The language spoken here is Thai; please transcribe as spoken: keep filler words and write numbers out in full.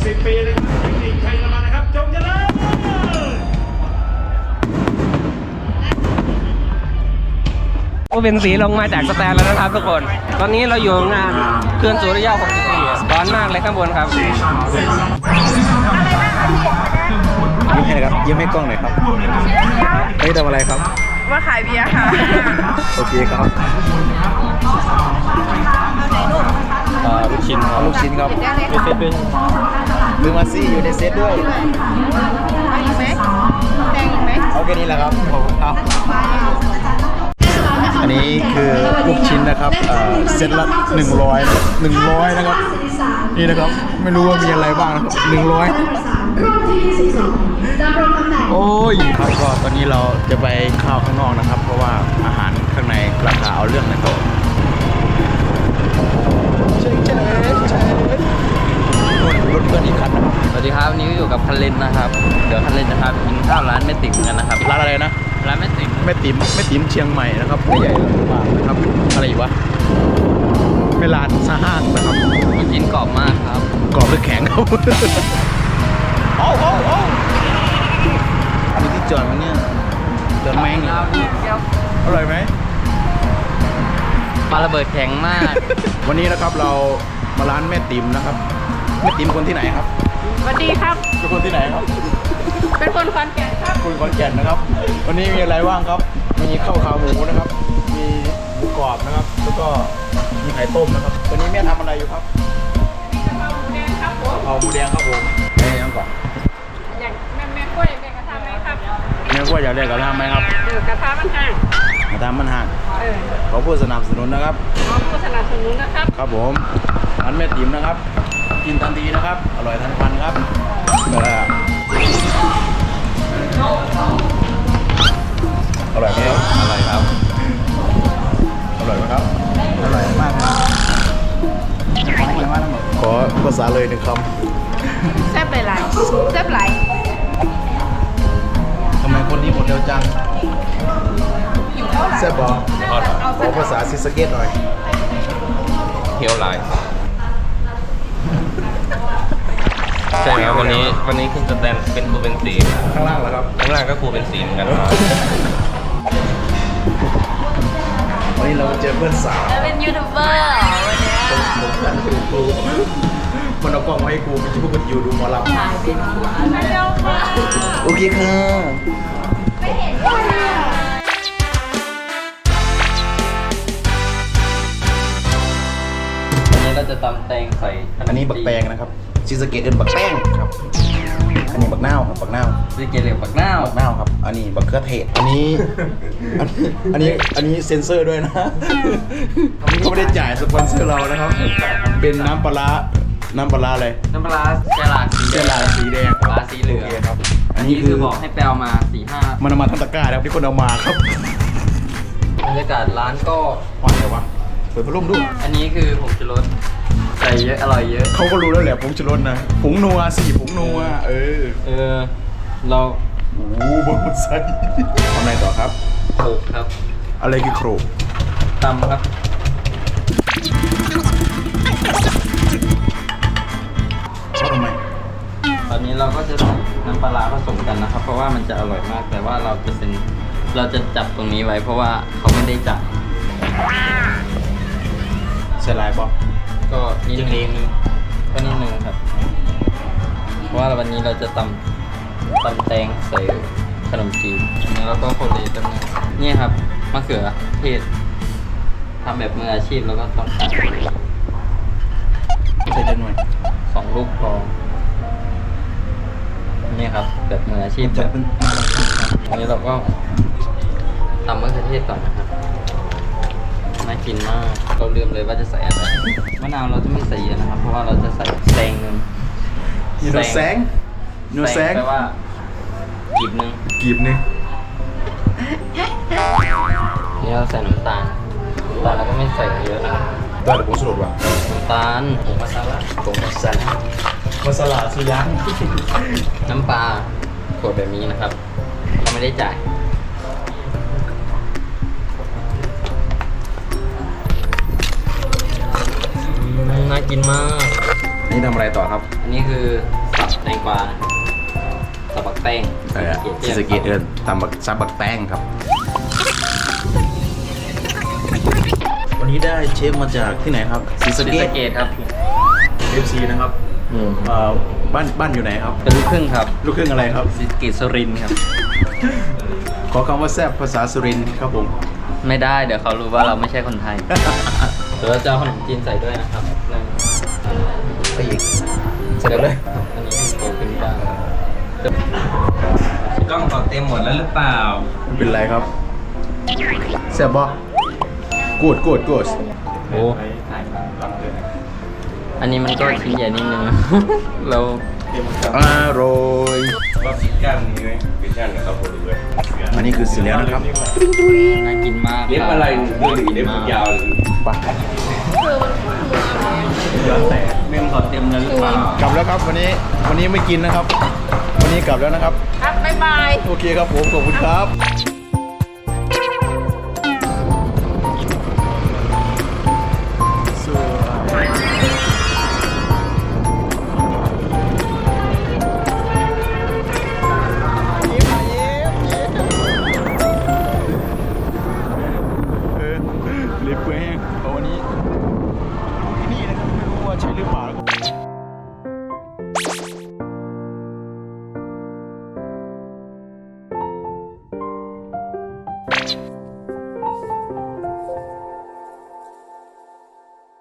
สิบปีนะครับเทคนิคชัยละมานะครับจงเจริญก็เป็นสีลงมาจากสแตนแล้วนะครับทุกคน ตอนนี้เราอยู่งานเขื่อนสุริยะหกสิบสี่ร้อนมากเลยข้างบนครับยิ้มให้ครับยิ้มให้กล้องหน่อยครับเฮ้ยทำอะไรครับมาขายเบียร์ค่ะโอเคครับลูกชิ้นครับลูกชิ้นครับมีเซตด้วยลืมมาซี่อยู่ในเซตด้วยเอาอีกไหมแดงอีกไหมเอาแค่นี้แหละครับขอบคุณครับอันนี้คือลูกชิ้นนะครับเซตละหนึ่งร้อยหนึ่งร้อยนะครับนี่นะครับไม่รู้ว่ามีอะไรบ้างนะครับหนึ่งร้อยโอ้ยครับก็ตอนนี้เราจะไปข้าวข้างนอกนะครับเพราะว่าอาหารข้างในราคาเอาเรื่องนะครับรถเพื่อนอีกคันนะครับสวัสดีครับวันนี้ก็อยู่กับคันเลนนะครับเดี๋ยวคันเลนนะครับกินข้าวร้านแม่ติ๋มกันนะครับร้านอะไรนะร้านแม่ติ๋มแม่ติ๋มแม่ติ๋มเชียงใหม่นะครับไม่ใหญ่มากนะครับอะไรอีกวะไม่ร้านซาห้างนะครับกินกรอบมากครับกรอบหรือแข็งครับโอ้โหมีที่จอดมั้ยเนี่ยจอดแม่งอร่อยไหมปลาระเบิดแข็งมากวันนี้นะครับเรามาร้านแม่ติ๋มนะครับแม่ติ๋มคนที่ไหนครับสวัสดีครับเป็นคนที่ไหนครับเป็นคนขอนแก่นครับคนขอนแก่นนะครับวันนี้มีอะไรบ้างครับมีข้าวขาหมูนะครับมีหมูกรอบนะครับแล้วก็มีไข่ต้มนะครับวันนี้แม่ทำอะไรอยู่ครับกะเพราหมูแดงครับผมเอาหมูแดงครับผมแม่ยังก่อนอยากแม่แม่กล้วยอยากกระทำไหมครับแม่กล้วยอยากได้กระทำไหมครับเออกระทำมันห่างกระทำมันห่างเออขอผู้สนับสนุนนะครับขอผู้สนับสนุนนะครับครับผมร้านแม่ติ๋มนะครับกินทันทีนะครับอร่อยทันควันครับอร่อยไหมครับอร่อยครับอร่อยไหมครับอร่อยมากครับขอภาษาเลยหนึ่งคำแซ่บหลายๆแซ่บหลายทำไมคนนี้หมดเร็วจังแซ่บบอกขอภาษาซิสเกตหน่อยเที่ยวไลน์ใช่ครับวันนี้วันนี้คุณสแตนเป็นครูเป็นสีข้างล่างเหรอครับข้างล่างก็ครูเป็นสีเหมือนกันครับวันนี้เราเจอเพื่อนสาวเป็นยูทูบเบอร์วันนี้ผมนั่นคือครูมันเอากล้องมาให้ครูไปช่วยกันอยู่ดูหมอลำโอเคค่ะไม่เห็นวันนี้เราจะตำแตงใส่อันนี้บักแตงนะครับชิสเกตเอินบักแป้งครับอันนี้บักนาวครับบักนาวชิสเกตเรียกบักนาวบักนาวครับอันนี้บักเขือเทศอันนี้อันนี้อันนี้เซ็นเซอร์ด้วยนะเขาไม่ได้จ่ายสปอนเซอร์เรานะครับเป็นน้ำปลาน้ำปลาอะไรน้ำปลาเจลาสีเจลาสีแดงปลาสีเหลืองครับอันนี้คือบอกให้แปลมาสี่ห้ามันเอามาทั้งตะกร้าครับที่คนเอามาครับบรรยากาศร้านก็อ่อนเลยวะเปิดพัดลมดูอันนี้คือผงชูรสใส่เยอะอร่อยเยอะเขาก็รู้แล้วแหละผงชูรสนะผงนัวสี่ผงนัวเออเออเราโอ้โหบนใส่ทำอะไรต่อครับโขลกครับอะไรคือโขลกตำครับชอบทำไมตอนนี้เราก็จะใส่น้ำปลาผสมกันนะครับเพราะว่ามันจะอร่อยมากแต่ว่าเราจะเป็นเราจะจับตรงนี้ไว้เพราะว่าเขาไม่ได้จับใส่ลายปะก็นิดนึงก็นิดนึงครับเพราะว่าวันนี้เราจะตำตำแตงใส่ขนมจีนแล้วก็โคเลตรงนี้นี่ครับมะเขือเทศทำแบบมืออาชีพแล้วก็ต้องใส่ใส่เยอะหน่อยสองลูกพอนี่ครับแบบมืออาชีพแบบอันนี้เราก็ตำมะเขือเทศก่อนนะครับน่ากินมากเราลืมเลยว่าจะใส่อะไรมะนาวเราจะไม่ใส่เยอะนะครับเพราะว่าเราจะใส่แซงนึงโนแซงโนแซงแปลว่ากีบนึงกีบนึงนี่เราใส่น้ำตาลน้ำตาลเราก็ไม่ใส่เยอะนะตัวแต่ผงชูรสว่ะน้ำตาลผงมัสลาผงมัสลามัสลาสุยังน้ำปลาขวดแบบนี้นะครับเราไม่ได้จ่ายน่ากินมากนี่ทำอะไรต่อครับอันนี้คือสับแตงกวาสับบักแตงเออซีสะเกตเอินตำบักซับบักแตงครับ วันนี้ได้เชฟมาจากที่ไหนครับซีสะศรีเกสะตเกดครับเอฟซีนะครับเอ่อบ้านบ้านอยู่ไหนครับเป็นลูกครึ่งครับลูกครึ่งอะไรครับศรีสะเกดสุรินทร์ครับขอคำว่าแซ่บภาษาสุรินทร์ครับผมไม่ได้เดี๋ยวเขารู้ว่าเราไม่ใช่คนไทย เดี๋ยวเราจะเอาขนมจีนใส่ด้วยนะครับหนึ่งไปอีกเสร็จแล้วเลยอันนี้คือโตขึ้นบ้างกล้องเขาเต็มหมดแล้วหรือเปล่าไม่เป็นไรครับแซ่บบ่กูดกูดกูดโอ้อันนี้มันก็ชิ้นใหญ่นิดนึง เราอร่อยว่าปิดกั้นนี่ไหมปิดกั้นนะครับผมด้วยอันนี้คือเสร็จแล้วนะครับน่ากินมากเล็บอะไรเรื่องเล็บยาวไปเรื่องเขาเต็มแล้วหรือเปล่ากลับแล้วครับวันนี้วันนี้ไม่กินนะครับ วันนี้กลับแล้วนะครับครับบ๊ายบายโอเคครับผมขอบคุณครับลิฟต์แห้งเอาวันนี้ที่นี่นะครับไม่รู้ว่าใช่หรือเปล่า